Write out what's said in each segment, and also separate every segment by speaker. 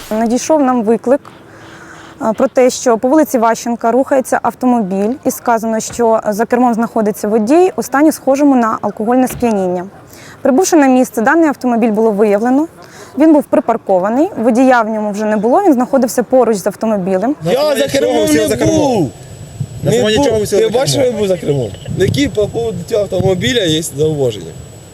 Speaker 1: Надійшов нам виклик про те, що по вулиці Ващенка рухається автомобіль і сказано, що за кермом знаходиться водій у стані схожому на алкогольне сп'яніння. Прибувши на місце, даний автомобіль було виявлено. Він був припаркований, водія в ньому вже не було, він знаходився поруч з автомобілем.
Speaker 2: Я за кермом не був! Ти бачиш, що я був за кермом? Які по поводу цього автомобіля є зауваження?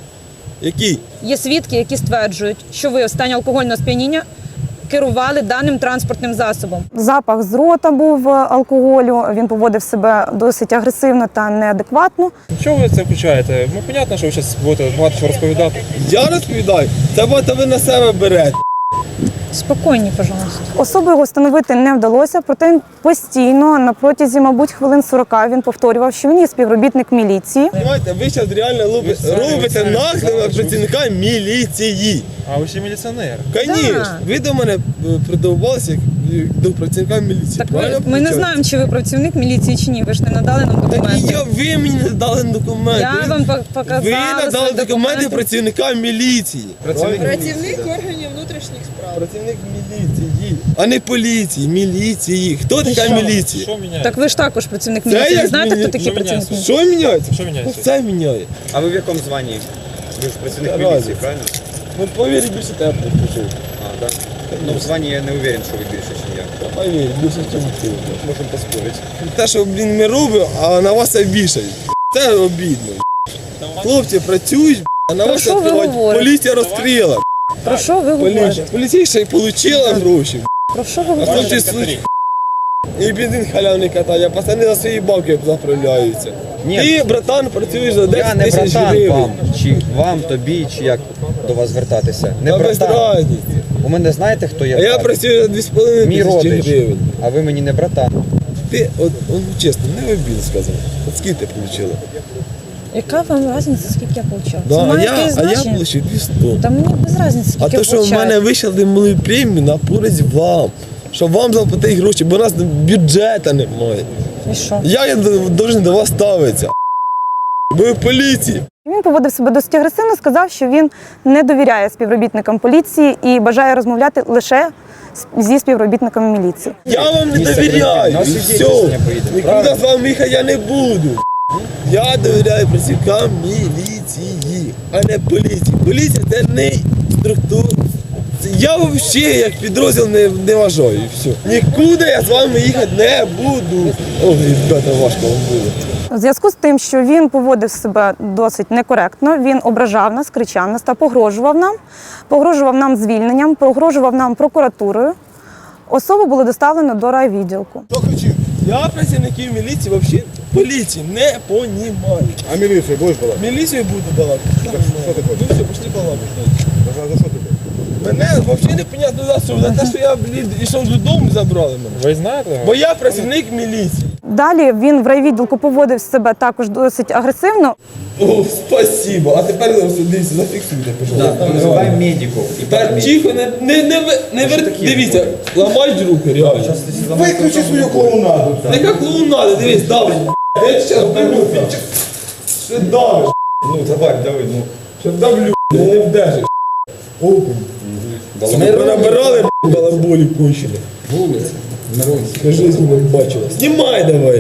Speaker 2: Які?
Speaker 3: Є свідки, які стверджують, що ви в стані алкогольного сп'яніння керували даним транспортним засобом.
Speaker 1: Запах з рота був алкоголю, він поводив себе досить агресивно та неадекватно.
Speaker 4: Чого ви це включаєте? Ну, понятно, що ви зараз будете багато що розповідати.
Speaker 2: Я розповідаю? Це багато ви на себе берете.
Speaker 3: Спокійні, пожалуйста.
Speaker 1: Особу його встановити не вдалося, проте постійно, на протязі, мабуть, хвилин 40 він повторював, що він є співробітник міліції.
Speaker 2: Понимаєте, ви зараз реально робите наклеп на працівника міліції.
Speaker 4: А ви ще міліціонер.
Speaker 2: Звісно, ви до мене придивувалися як до працівника міліції.
Speaker 3: Так
Speaker 2: Правильно
Speaker 3: ми не
Speaker 2: включаєте?
Speaker 3: знаємо, чи ви працівник міліції, чи ні. Ви ж не надали нам
Speaker 2: Так і
Speaker 3: документи.
Speaker 2: ви мені не дали документи.
Speaker 3: Я вам показала
Speaker 2: Ви надали
Speaker 3: свої
Speaker 2: документи працівника міліції.
Speaker 5: Працівник органів внутрішніх справ.
Speaker 2: Працівник міліції, а не поліції, міліції. Хто така міліція?
Speaker 4: Що міняється?
Speaker 3: Так ви ж також працівник
Speaker 2: Це
Speaker 3: міліції. Ви
Speaker 2: як
Speaker 3: знаєте, хто
Speaker 2: мілі-
Speaker 3: такий
Speaker 4: що
Speaker 3: працівник
Speaker 4: міняється?
Speaker 3: міліції?
Speaker 2: Що міняється?
Speaker 4: Що міняється?
Speaker 2: Це міняє.
Speaker 6: А ви в якому званні? Ви ж працівник
Speaker 2: Разниця.
Speaker 6: міліції, правильно?
Speaker 2: Ну, повірь, більше тебе підпишу.
Speaker 6: А, так? Ну, в званні я не уверен, що ви більше, ніж я.
Speaker 2: Повірь, більше, ніж ти.
Speaker 6: Можемо поспорити.
Speaker 2: Те, що, ми робимо, а на вас це вішають. Це обідно. Хлопці працюють, а на
Speaker 3: Про
Speaker 2: вас
Speaker 3: що ви
Speaker 2: відкривають.
Speaker 3: говорите?
Speaker 2: Поліція розкрила.
Speaker 3: Про що ви говорите?
Speaker 2: Поліція ще й отримала гроші.
Speaker 3: Про що ви
Speaker 2: А
Speaker 3: говорите?
Speaker 2: хлопці слухають. І бензин халявний катає, пацани за свої бабки заправляються.
Speaker 6: Ні.
Speaker 2: Ти, братан, працюєш за 10
Speaker 6: Я не
Speaker 2: тисяч
Speaker 6: братан
Speaker 2: гривень.
Speaker 6: вам, чи вам, тобі, чи як до вас звертатися. Не
Speaker 2: Та без
Speaker 6: братан.
Speaker 2: разниці.
Speaker 6: У мене знаєте, хто я?
Speaker 2: А я працюю за 2,5
Speaker 6: Мій
Speaker 2: тисячі
Speaker 6: родич,
Speaker 2: гривень.
Speaker 6: а ви мені не братан.
Speaker 2: Ти, от чесно, не обід сказав. От скільки ти отримала?
Speaker 3: Яка вам різниця, скільки я получала?
Speaker 2: Да,
Speaker 3: Це
Speaker 2: а
Speaker 3: має
Speaker 2: я
Speaker 3: якесь значення?
Speaker 2: отримав 200.
Speaker 3: Та мені без різниці, скільки
Speaker 2: А то,
Speaker 3: я
Speaker 2: що в
Speaker 3: получаю.
Speaker 2: мене вийшли мали премію на користь вам. Щоб вам заплатити гроші, бо у нас бюджету немає.
Speaker 3: І що?
Speaker 2: Як я повинен до вас ставитися? Ви в поліції.
Speaker 1: Він поводив себе досить агресивно, сказав, що він не довіряє співробітникам поліції і бажає розмовляти лише зі співробітниками міліції.
Speaker 2: Я вам не
Speaker 6: Місце
Speaker 2: довіряю.
Speaker 6: на
Speaker 2: І
Speaker 6: суді
Speaker 2: все.
Speaker 6: рішення поїде,
Speaker 2: Нікуди
Speaker 6: правильно?
Speaker 2: з вами їхати я не буду. Я довіряю працівникам міліції, а не поліції. Поліція це не структура. Я взагалі як підрозділ не вважаю. І все. Нікуди я з вами їхати не буду. Ой, ребята, важко вам буде.
Speaker 1: У зв'язку з тим, що він поводив себе досить некоректно, він ображав нас, кричав нас та погрожував нам звільненням, погрожував нам прокуратурою. Особу було доставлено до райвідділку.
Speaker 2: Що кричив? Я працівників міліції взагалі поліції не понімаю.
Speaker 7: А милицию будешь балакать?
Speaker 2: Міліцію буду балакати.
Speaker 7: Що ти хочеш?
Speaker 2: Ну все, пішли балакати.
Speaker 7: За що ти хочеш?
Speaker 2: Мене взагалі непонятно за що. За те, що я, йшов додому, забрали мене.
Speaker 4: Ви знаєте?
Speaker 2: Бо я працівник міліції.
Speaker 1: Далі він в райвідділку поводив себе також досить агресивно.
Speaker 2: О, спасибо. А тепер дивіться, зафіксуйте, пожалуйста.
Speaker 6: Визивай медиків.
Speaker 2: Так, тихо, дивіться, ламають руки, реально.
Speaker 7: Виключи свою клоунаду.
Speaker 2: Яка клоунада, дивись, давиш. Я зараз давлю. Що давиш?
Speaker 6: Ну, давай, ну.
Speaker 2: Що давлю, не вдержиш. Ми набирали балаболі кончили. Вулиця. Я жизнь не бачила. Знімай давай.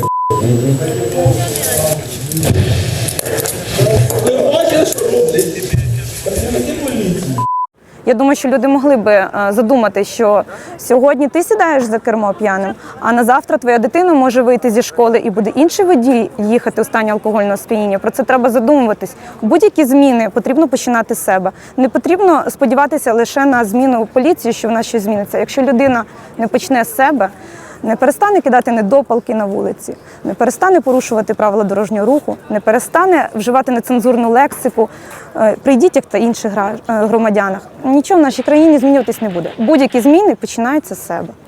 Speaker 2: Ти бачиш, що роблять? Працівники поліції.
Speaker 1: Я думаю, що люди могли би задумати, що сьогодні ти сідаєш за кермо п'яним, а на завтра твоя дитина може вийти зі школи і буде інший водій їхати у стані алкогольного сп'яніння. Про це треба задумуватись. Будь-які зміни потрібно починати з себе. Не потрібно сподіватися лише на зміну у поліції, що в нас щось зміниться. Якщо людина не почне з себе, не перестане кидати недопалки на вулиці, не перестане порушувати правила дорожнього руху, не перестане вживати нецензурну лексику при дітях та інших громадянах, нічого в нашій країні змінюватись не буде. Будь-які зміни починаються з себе.